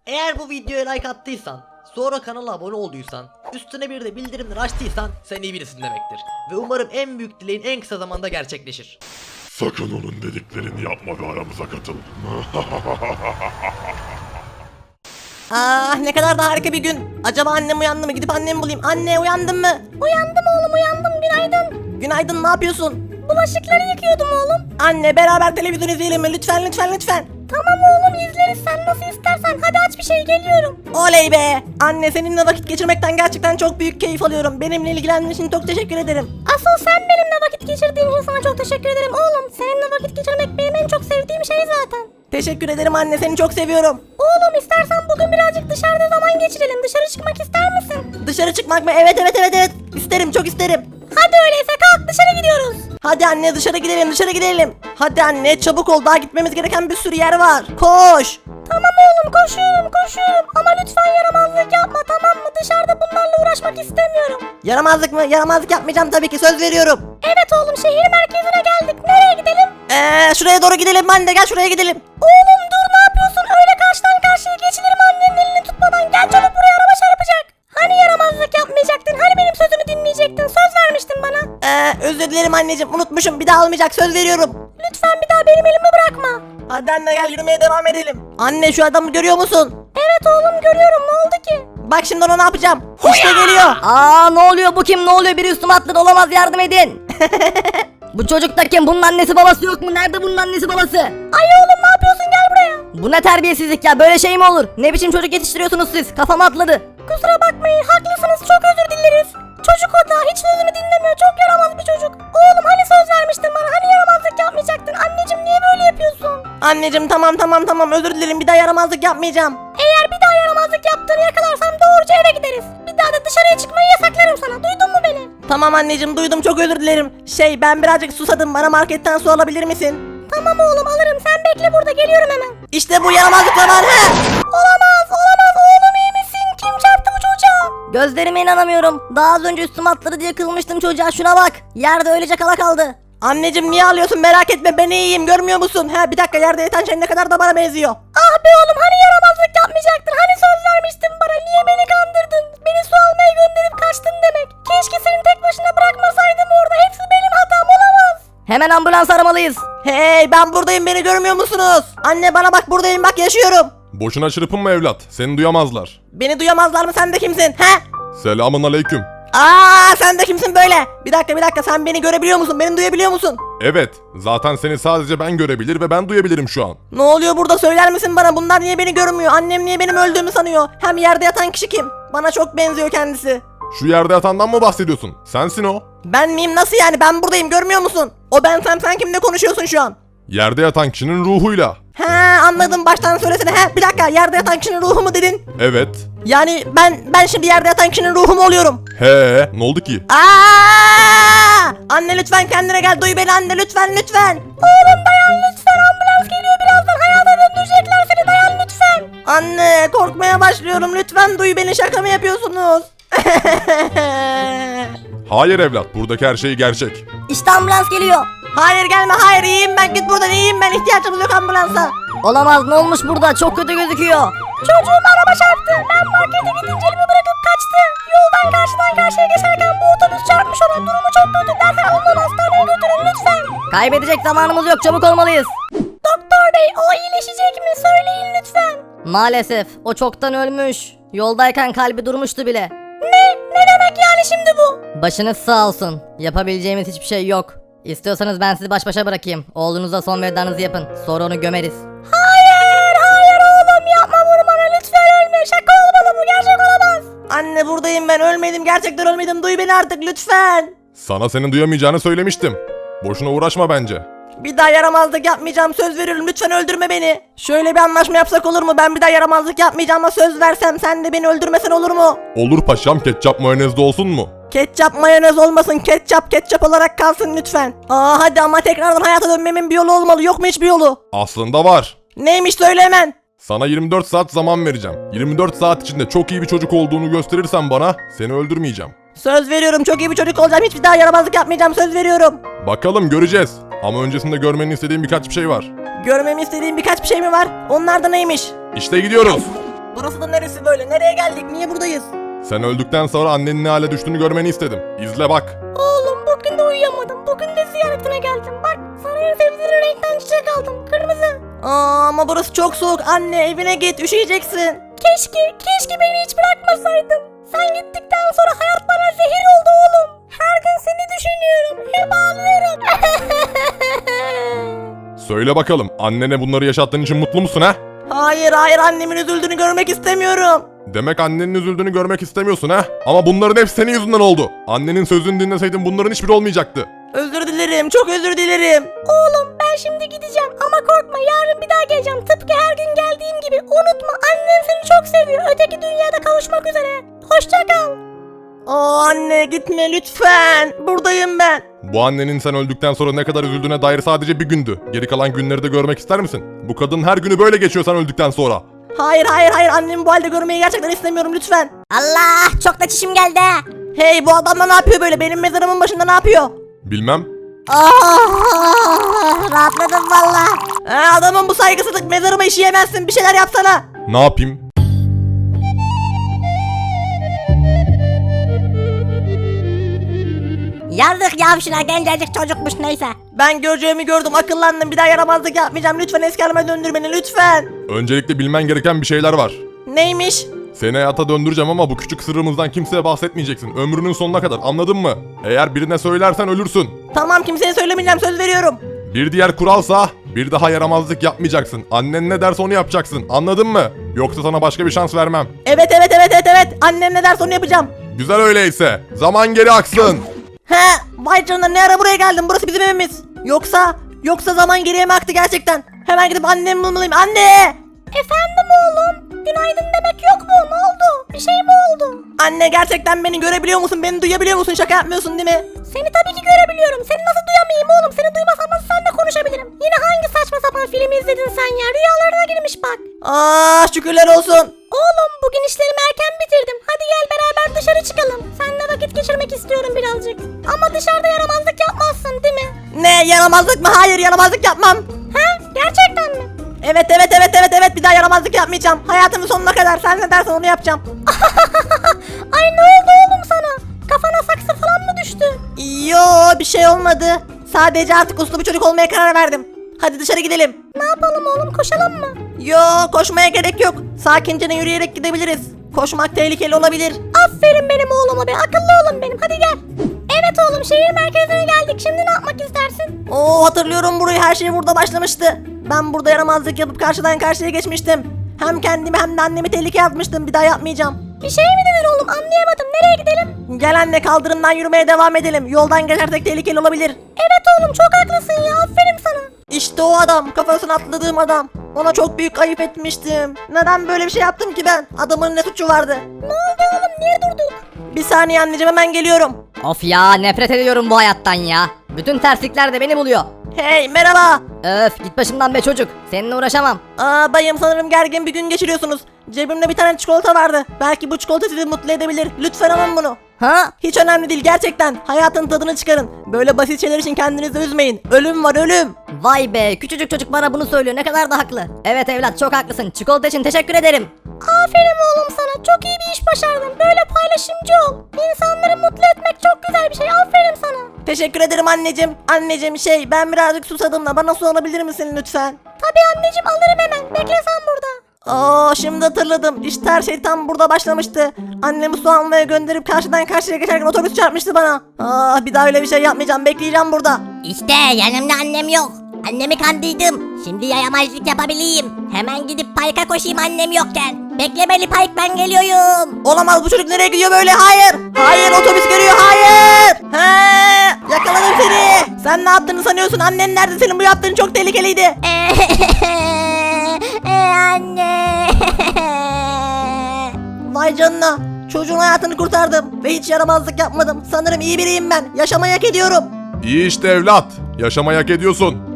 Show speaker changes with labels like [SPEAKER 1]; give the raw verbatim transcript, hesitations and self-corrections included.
[SPEAKER 1] Eğer bu videoya like attıysan, sonra kanala abone olduysan, üstüne bir de bildirimleri açtıysan sen iyi birisin demektir. Ve umarım en büyük dileğin en kısa zamanda gerçekleşir.
[SPEAKER 2] Sakın onun dediklerini yapma ve aramıza katıl.
[SPEAKER 3] Ah, ne kadar da harika bir gün. Acaba annem uyandı mı? Gidip annemi bulayım. Anne, uyandın mı? Uyandım oğlum, uyandım. Günaydın. Günaydın, ne yapıyorsun? Bulaşıkları yıkıyordum oğlum. Anne, beraber televizyon izleyelim mi? Lütfen lütfen lütfen. Tamam oğlum, izleriz, sen nasıl istersen. Hadi aç bir şey, geliyorum. Oley be. Anne, seninle vakit geçirmekten gerçekten çok büyük keyif alıyorum. Benimle ilgilendiğin için çok teşekkür ederim. Asıl sen benimle vakit geçirdiğin için sana çok teşekkür ederim oğlum. Seninle vakit geçirmek benim en çok sevdiğim şey zaten. Teşekkür ederim anne, seni çok seviyorum. Oğlum, istersen bugün birazcık dışarıda zaman geçirelim. Dışarı çıkmak ister misin? Dışarı çıkmak mı? Evet evet evet evet. İsterim, çok isterim. Hadi öyleyse kalk, dışarı gidiyoruz. Hadi anne, dışarı gidelim dışarı gidelim. Hadi anne, çabuk ol, daha gitmemiz gereken bir sürü yer var. Koş. Tamam oğlum, koşuyorum koşuyorum. Ama lütfen yaramazlık yapma, tamam mı? Dışarıda bunlarla uğraşmak istemiyorum. Yaramazlık mı? Yaramazlık yapmayacağım tabii ki, söz veriyorum. Evet oğlum, şehir merkezine geldik. Nereye gidelim? Eee şuraya doğru gidelim anne, gel şuraya gidelim. Oğlum dur, ne yapıyorsun? Öyle karşıdan karşıya geçilir mi annenin elini tutmadan? Gel çabuk, buraya araba çarpacak. Hani yaramazlık yapmayacaktın? Hani benim sözümü dinleyecektin? Söz vermiştin bana. Eee özür dilerim anneciğim, unutmuşum. Bir daha olmayacak, söz veriyorum. Lütfen bir daha benim elimi bırakma. Hadi anne, gel yürümeye devam edelim. Anne, şu adamı görüyor musun? Evet oğlum, görüyorum. Ne oldu ki? Bak şimdi ona ne yapacağım. İşte geliyor.
[SPEAKER 4] Aa, ne oluyor, bu kim, ne oluyor, biri üstüme atladı, olamaz, yardım edin. Bu çocuk da kim, bunun annesi babası yok mu, nerede bunun annesi babası?
[SPEAKER 3] Ay oğlum, ne yapıyorsun, gel buraya.
[SPEAKER 4] Bu ne terbiyesizlik ya, böyle şey mi olur, ne biçim çocuk yetiştiriyorsunuz siz, kafama atladı.
[SPEAKER 3] Kusura bakmayın, haklısınız, çok özür dileriz. Çocuk o da, hiç sözümü dinlemiyor, çok yaramaz bir çocuk. Oğlum, hani söz vermiştin bana, hani yaramazlık yapmayacaktın? Anneciğim, niye böyle yapıyorsun? Anneciğim, tamam tamam tamam, özür dilerim, bir daha yaramazlık yapmayacağım. Eğer bir daha yaramazlık yaptığını yakalarsam doğruca eve gideriz. Bir daha da dışarıya çıkmayı yasaklarım sana, duydun mu beni? Tamam anneciğim, duydum, çok özür dilerim. Şey, ben birazcık susadım, bana marketten su alabilir misin? Tamam oğlum, alırım, sen bekle burada, geliyorum hemen. İşte bu yaramazlık zamanı. Olamaz olamaz, oğlum iyi misin? Kim çarptı bu çocuğa?
[SPEAKER 4] Gözlerime inanamıyorum, daha az önce üstüme atladı diye kızmıştım çocuğa, şuna bak, yerde öylece kala kaldı.
[SPEAKER 3] Anneciğim, niye ağlıyorsun, merak etme, ben iyiyim, görmüyor musun? He, bir dakika, yerde yatan şey ne kadar da bana benziyor. Ah be oğlum, hani yaramazlık yapmayacaktın, hani söz vermiştin bana, niye beni kandırdın? Beni su almaya gönderip kaçtın demek. Keşke seni tek başına bırakmasaydım orada, hepsi benim hatam, olamaz.
[SPEAKER 4] Hemen ambulans aramalıyız.
[SPEAKER 3] Hey, ben buradayım, beni görmüyor musunuz? Anne, bana bak, buradayım, bak, yaşıyorum.
[SPEAKER 2] Boşuna çırpınma evlat. Seni duyamazlar.
[SPEAKER 3] Beni duyamazlar mı, sen de kimsin? He?
[SPEAKER 2] Selamun aleyküm.
[SPEAKER 3] Aa, sen de kimsin böyle? Bir dakika bir dakika, sen beni görebiliyor musun? Beni duyabiliyor musun?
[SPEAKER 2] Evet. Zaten seni sadece ben görebilir ve ben duyabilirim şu an.
[SPEAKER 3] Ne oluyor burada, söyler misin bana? Bunlar niye beni görmüyor? Annem niye benim öldüğümü sanıyor? Hem yerde yatan kişi kim? Bana çok benziyor kendisi.
[SPEAKER 2] Şu yerde yatandan mı bahsediyorsun? Sensin o.
[SPEAKER 3] Ben miyim, nasıl yani? Ben buradayım, görmüyor musun? O ben, sen sen kimle konuşuyorsun şu an?
[SPEAKER 2] Yerde yatan kişinin ruhuyla.
[SPEAKER 3] He, anladım, baştan söylesene. He, bir dakika, yerde yatan kişinin ruhu mu dedin?
[SPEAKER 2] Evet.
[SPEAKER 3] Yani ben ben şimdi yerde yatan kişinin ruhu mu oluyorum?
[SPEAKER 2] He, ne oldu ki?
[SPEAKER 3] Aa! Anne lütfen kendine gel, duy beni anne, lütfen lütfen. Oğlum dayan lütfen, ambulans geliyor, birazdan hayata döndürecekler seni, dayan lütfen. Anne, korkmaya başlıyorum, lütfen duy beni, şaka mı yapıyorsunuz?
[SPEAKER 2] Hayır evlat, buradaki her şey gerçek.
[SPEAKER 4] İşte ambulans geliyor.
[SPEAKER 3] Hayır gelme, hayır, iyiyim ben, git buradan, iyiyim ben, ihtiyacımız yok ambulansa.
[SPEAKER 4] Olamaz, ne olmuş burada, çok kötü gözüküyor.
[SPEAKER 3] Çocuğum araba çarptı, ben markete gidince elimi bırakıp kaçtı. Yoldan karşıdan karşıya geçerken bu otobüs çarpmış ona, durumu çok kötü, dersen ondan hastaneye götürün lütfen.
[SPEAKER 4] Kaybedecek zamanımız yok, çabuk olmalıyız.
[SPEAKER 3] Doktor bey, o iyileşecek mi, söyleyin lütfen.
[SPEAKER 4] Maalesef, o çoktan ölmüş. Yoldayken kalbi durmuştu bile.
[SPEAKER 3] Ne? Ne demek yani şimdi bu?
[SPEAKER 4] Başınız sağ olsun. Yapabileceğimiz hiçbir şey yok. İstiyorsanız ben sizi baş başa bırakayım. Oğlunuza son vedanızı yapın. Sonra onu gömeriz.
[SPEAKER 3] Hayır, hayır oğlum, yapma, vurma, lütfen ölme. Şaka olmalı, bu gerçek olamaz. Anne, buradayım ben, ölmedim, gerçekten ölmedim, duy beni artık lütfen.
[SPEAKER 2] Sana senin duyamayacağını söylemiştim. Boşuna uğraşma bence.
[SPEAKER 3] Bir daha yaramazlık yapmayacağım, söz veriyorum, lütfen öldürme beni. Şöyle bir anlaşma yapsak olur mu? Ben bir daha yaramazlık yapmayacağıma söz versem, sen de beni öldürmesen olur mu?
[SPEAKER 2] Olur paşam, ketçap mayonezde olsun mu?
[SPEAKER 3] Ketçap mayonez olmasın, ketçap ketçap olarak kalsın lütfen. Aa hadi, ama tekrardan hayata dönmemin bir yolu olmalı, yok mu hiçbir yolu?
[SPEAKER 2] Aslında var.
[SPEAKER 3] Neymiş, söyle hemen.
[SPEAKER 2] Sana yirmi dört saat zaman vereceğim. yirmi dört saat içinde çok iyi bir çocuk olduğunu gösterirsen bana, seni öldürmeyeceğim.
[SPEAKER 3] Söz veriyorum, çok iyi bir çocuk olacağım, hiçbir daha yaramazlık yapmayacağım, söz veriyorum.
[SPEAKER 2] Bakalım, göreceğiz. Ama öncesinde görmeni istediğim birkaç bir şey var.
[SPEAKER 3] Görmemi istediğin birkaç bir şey mi var? Onlar da neymiş?
[SPEAKER 2] İşte gidiyoruz.
[SPEAKER 3] Burası da neresi böyle? Nereye geldik? Niye buradayız?
[SPEAKER 2] Sen öldükten sonra annenin ne hale düştüğünü görmeni istedim. İzle bak.
[SPEAKER 4] Oğlum bugün de uyuyamadım. Bugün de ziyaretine geldim. Bak sana en sevdiğin renkten çiçek aldım. Kırmızı.
[SPEAKER 3] Aa, ama burası çok soğuk. Anne evine git, üşüyeceksin.
[SPEAKER 4] Keşke, keşke beni hiç bırakmasaydın. Sen gittikten sonra hayat bana zehir oldu oğlum. Her gün seni düşünüyorum. Hep ağlıyorum.
[SPEAKER 2] Söyle bakalım, annene bunları yaşattığın için mutlu musun ha?
[SPEAKER 3] Hayır hayır, annemin üzüldüğünü görmek istemiyorum.
[SPEAKER 2] Demek annenin üzüldüğünü görmek istemiyorsun ha? Ama bunların hepsi senin yüzünden oldu. Annenin sözünü dinleseydin bunların hiçbiri olmayacaktı.
[SPEAKER 3] Özür dilerim, çok özür dilerim.
[SPEAKER 4] Oğlum ben şimdi gideceğim ama korkma yarın bir daha geleceğim. Tıpkı her gün geldiğim gibi. Unutma annen seni çok seviyor. Öteki dünyada kavuşmak üzere. Hoşça kal.
[SPEAKER 3] Aa, anne gitme lütfen. Buradayım ben.
[SPEAKER 2] Bu annenin sen öldükten sonra ne kadar üzüldüğüne dair sadece bir gündü. Geri kalan günleri de görmek ister misin? Bu kadın her günü böyle geçiyor sen öldükten sonra.
[SPEAKER 3] Hayır hayır hayır, annemi bu halde görmeyi gerçekten istemiyorum lütfen.
[SPEAKER 4] Allah çok da çişim geldi.
[SPEAKER 3] Hey, bu adam da ne yapıyor böyle? Benim mezarımın başında ne yapıyor?
[SPEAKER 2] Bilmem.
[SPEAKER 4] Oh, rahatladım valla.
[SPEAKER 3] Ha, adamın bu saygısızlık, mezarıma işeyemezsin, bir şeyler yapsana.
[SPEAKER 2] Ne yapayım?
[SPEAKER 4] Yazık yavşına gencecik çocukmuş neyse.
[SPEAKER 3] Ben göreceğimi gördüm, akıllandım, bir daha yaramazlık yapmayacağım, lütfen eski halime döndür beni lütfen.
[SPEAKER 2] Öncelikle bilmen gereken bir şeyler var.
[SPEAKER 3] Neymiş?
[SPEAKER 2] Seni hayata döndüreceğim ama bu küçük sırrımızdan kimseye bahsetmeyeceksin. Ömrünün sonuna kadar, anladın mı? Eğer birine söylersen ölürsün.
[SPEAKER 3] Tamam, kimseye söylemeyeceğim, söz veriyorum.
[SPEAKER 2] Bir diğer kuralsa bir daha yaramazlık yapmayacaksın. Annen ne derse onu yapacaksın. Anladın mı? Yoksa sana başka bir şans vermem.
[SPEAKER 3] Evet evet evet evet evet, annem ne derse onu yapacağım.
[SPEAKER 2] Güzel öyleyse. Zaman geri aksın.
[SPEAKER 3] He, vay canına, ne ara buraya geldim, burası bizim evimiz. Yoksa, yoksa zaman geriye mi aktı gerçekten? Hemen gidip annemi bulmalıyım, anne!
[SPEAKER 4] Efendim oğlum. Günaydın demek yok mu? Ne oldu? Bir şey mi oldu?
[SPEAKER 3] Anne, gerçekten beni görebiliyor musun, beni duyabiliyor musun, şaka yapmıyorsun değil mi?
[SPEAKER 4] Seni tabii ki görebiliyorum. Seni nasıl duyamayayım oğlum? Seni duymasam nasıl seninle konuşabilirim? Yine hangi saçma sapan film izledin sen ya? Rüyalarına girmiş bak.
[SPEAKER 3] Aa, şükürler olsun.
[SPEAKER 4] Oğlum bugün işlerimi erken bitirdim. Hadi gel beraber dışarı çıkalım. Seninle vakit geçirmek istiyorum birazcık. Ama dışarıda yaramazlık yapmazsın değil mi?
[SPEAKER 3] Ne, yaramazlık mı? Hayır, yaramazlık yapmam.
[SPEAKER 4] He? Gerçekten mi?
[SPEAKER 3] Evet evet evet evet evet, bir daha yaramazlık yapmayacağım. Hayatımın sonuna kadar sen ne dersen onu yapacağım.
[SPEAKER 4] Ay ne oldu oğlum sana? Kafana saksı falan mı düştü?
[SPEAKER 3] Yo, bir şey olmadı. Sadece artık uslu bir çocuk olmaya karar verdim. Hadi dışarı gidelim.
[SPEAKER 4] Ne yapalım oğlum koşalım mı?
[SPEAKER 3] Yo, koşmaya gerek yok. Sakince yürüyerek gidebiliriz. Koşmak tehlikeli olabilir.
[SPEAKER 4] Aferin benim oğluma be, akıllı oğlum benim, hadi gel. Evet oğlum, şehir merkezine geldik, şimdi ne yapmak istersin?
[SPEAKER 3] Oo, hatırlıyorum burayı, her şey burada başlamıştı. Ben burada yaramazlık yapıp karşıdan karşıya geçmiştim. Hem kendimi hem de annemi tehlikeye atmıştım, bir daha yapmayacağım.
[SPEAKER 4] Bir şey mi dedin oğlum, anlayamadım, nereye gidelim?
[SPEAKER 3] Gel anne, kaldırımdan yürümeye devam edelim. Yoldan geçersek tehlikeli olabilir.
[SPEAKER 4] Evet oğlum çok haklısın ya, aferin sana.
[SPEAKER 3] İşte o adam, kafasını atladığım adam. Ona çok büyük ayıp etmiştim. Neden böyle bir şey yaptım ki ben? Adamın ne suçu vardı?
[SPEAKER 4] Ne oldu oğlum, niye durduk?
[SPEAKER 3] Bir saniye anneciğim, hemen geliyorum.
[SPEAKER 5] Of ya, nefret ediyorum bu hayattan ya. Bütün terslikler de beni buluyor.
[SPEAKER 3] Hey, merhaba.
[SPEAKER 5] Öf, git başımdan be çocuk. Seninle uğraşamam.
[SPEAKER 3] Aa, bayım, sanırım gergin bir gün geçiriyorsunuz. Cebimde bir tane çikolata vardı. Belki bu çikolata sizi mutlu edebilir. Lütfen alın bunu.
[SPEAKER 5] Ha?
[SPEAKER 3] Hiç önemli değil gerçekten. Hayatın tadını çıkarın. Böyle basit şeyler için kendinizi üzmeyin. Ölüm var, ölüm.
[SPEAKER 5] Vay be, küçücük çocuk bana bunu söylüyor, ne kadar da haklı. Evet evlat, çok haklısın. Çikolata için teşekkür ederim.
[SPEAKER 4] Aferin oğlum sana, çok iyi bir iş başardın, böyle paylaşımcı ol. İnsanları mutlu etmek çok güzel bir şey, aferin sana.
[SPEAKER 3] Teşekkür ederim anneciğim. Anneciğim, şey, ben birazcık susadım da bana su alabilir misin lütfen?
[SPEAKER 4] Tabii anneciğim, alırım hemen, bekle sen burada.
[SPEAKER 3] Aa, şimdi hatırladım. İşte her şey tam burada başlamıştı. Annemi su almaya gönderip karşıdan karşıya geçerken otobüs çarpmıştı bana. Aa, bir daha öyle bir şey yapmayacağım. Bekleyeceğim burada.
[SPEAKER 4] İşte yanımda annem yok. Annemi kandırdım. Şimdi yayamazlık yapabileyim. Hemen gidip parka koşayım annem yokken. Beklemeli park, ben geliyorum.
[SPEAKER 3] Olamaz, bu çocuk nereye gidiyor böyle? Hayır. Hayır, otobüs geliyor. Hayır. He, yakaladım seni. Sen ne yaptığını sanıyorsun? Annen nerede? Senin bu yaptığın çok tehlikeliydi.
[SPEAKER 4] Anne.
[SPEAKER 3] Vay canına. Çocuğun hayatını kurtardım ve hiç yaramazlık yapmadım. Sanırım iyi biriyim ben. Yaşamayı hak ediyorum.
[SPEAKER 2] İyi işte evlat. Yaşamayı hak ediyorsun.